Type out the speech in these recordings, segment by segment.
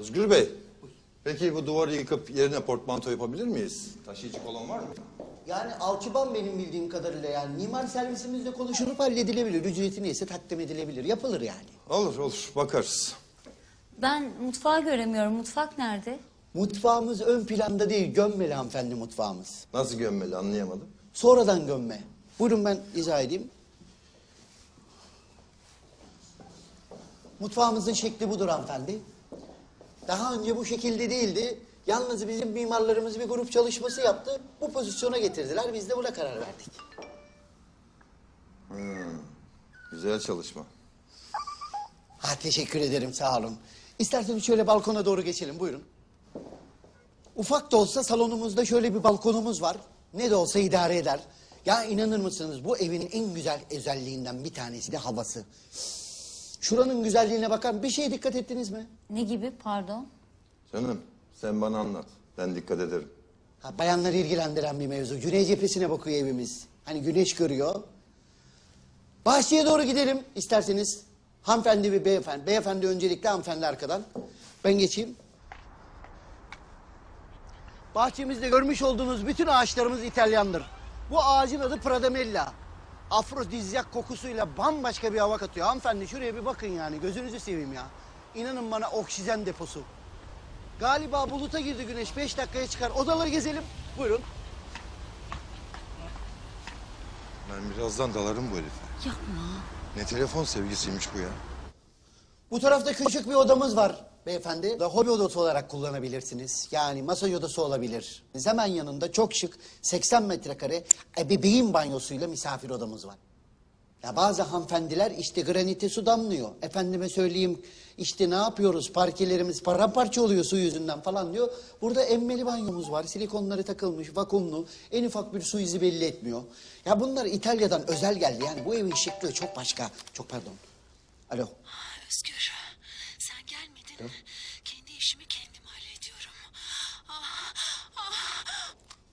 Özgür Bey, peki bu duvarı yıkıp yerine portmanto yapabilir miyiz? Taşıyıcı kolon var mı? Yani alçıban benim bildiğim kadarıyla yani. Mimar servisimizle konuşulup halledilebilir. Ücreti neyse takdim edilebilir. Yapılır yani. Olur olur, bakarız. Ben mutfağı göremiyorum. Mutfak nerede? Mutfağımız ön planda değil, gömmeli hanımefendi mutfağımız. Nasıl gömmeli anlayamadım. Sonradan gömme. Buyurun ben izah edeyim. Mutfağımızın şekli budur hanımefendi. Daha önce bu şekilde değildi. Yalnız bizim mimarlarımız bir grup çalışması yaptı. Bu pozisyona getirdiler. Biz de buna karar verdik. Güzel çalışma. Ha, teşekkür ederim, sağ olun. İsterseniz şöyle balkona doğru geçelim, buyurun. Ufak da olsa salonumuzda şöyle bir balkonumuz var. Ne de olsa idare eder. Ya inanır mısınız, bu evin en güzel özelliğinden bir tanesi de havası. Şuranın güzelliğine bakar, bir şeye dikkat ettiniz mi? Ne gibi pardon? Canım, sen bana anlat. Ben dikkat ederim. Ha, bayanları ilgilendiren bir mevzu. Güney cephesine bakıyor evimiz. Hani güneş görüyor. Bahçeye doğru gidelim isterseniz. Hanımefendi ve beyefendi. Beyefendi öncelikle, hanımefendi arkadan. Ben geçeyim. Bahçemizde görmüş olduğunuz bütün ağaçlarımız İtalyandır. Bu ağacın adı Pradamella. Afrodizyak kokusuyla bambaşka bir hava katıyor. Hanımefendi şuraya bir bakın yani, gözünüzü seveyim ya. İnanın bana, oksijen deposu. Galiba buluta girdi güneş, 5 dakikaya çıkar. Odaları gezelim. Buyurun. Ben birazdan dalarım bu herife. Yapma. Ne telefon sevgisiymiş bu ya. Bu tarafta küçük bir odamız var beyefendi. Da hobi odası olarak kullanabilirsiniz. Yani masaj odası olabilir. Hemen yanında çok şık 80 metrekare ebeveyn banyosuyla misafir odamız var. Ya bazı hanımefendiler işte granite su damlıyor. Efendime söyleyeyim işte ne yapıyoruz, parkelerimiz paramparça oluyor su yüzünden falan diyor. Burada emmeli banyomuz var, silikonları takılmış, vakumlu, en ufak bir su izi belli etmiyor. Ya bunlar İtalya'dan özel geldi, yani bu evin şıklığı çok başka. Çok pardon. Alo. Özgür, sen gelmedin. Kendi işimi kendim hallediyorum. Ah, ah.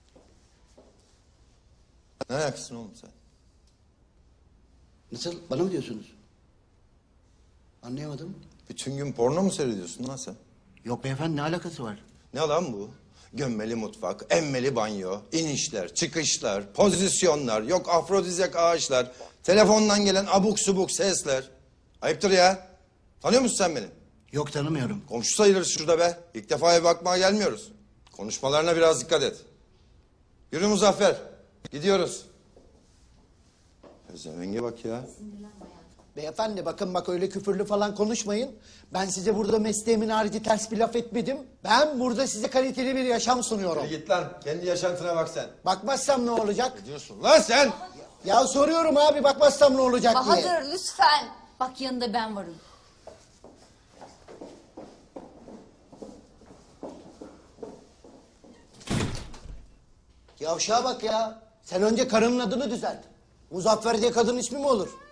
Ne ayaksın oğlum sen? Nasıl? Bana mı diyorsunuz? Anlayamadım. Bütün gün porno mu seyrediyorsun lan sen? Yok beyefendi, ne alakası var? Ne lan bu? Gömmeli mutfak, emmeli banyo, inişler, çıkışlar, pozisyonlar, yok afrodizyak ağaçlar, telefondan gelen abuk subuk sesler. Ayıptır ya. Tanıyor musun sen beni? Yok, tanımıyorum. Komşu sayılırız şurada be. İlk defa eve bakmaya gelmiyoruz. Konuşmalarına biraz dikkat et. Yürü Muzaffer. Gidiyoruz. Özlemenge bak ya. Beyefendi bakın, bak öyle küfürlü falan konuşmayın. Ben size burada mesleğimin harici ters bir laf etmedim. Ben burada size kaliteli bir yaşam sunuyorum. Git lan. Kendi yaşantına bak sen. Bakmazsam ne olacak? Ne diyorsun lan sen? Ya soruyorum abi, bakmazsam ne olacak diye. Bahadır lütfen. Bak yanında ben varım. Yavşağa bak ya. Sen önce karının adını düzelt. Muzaffer diye kadın ismi mi olur?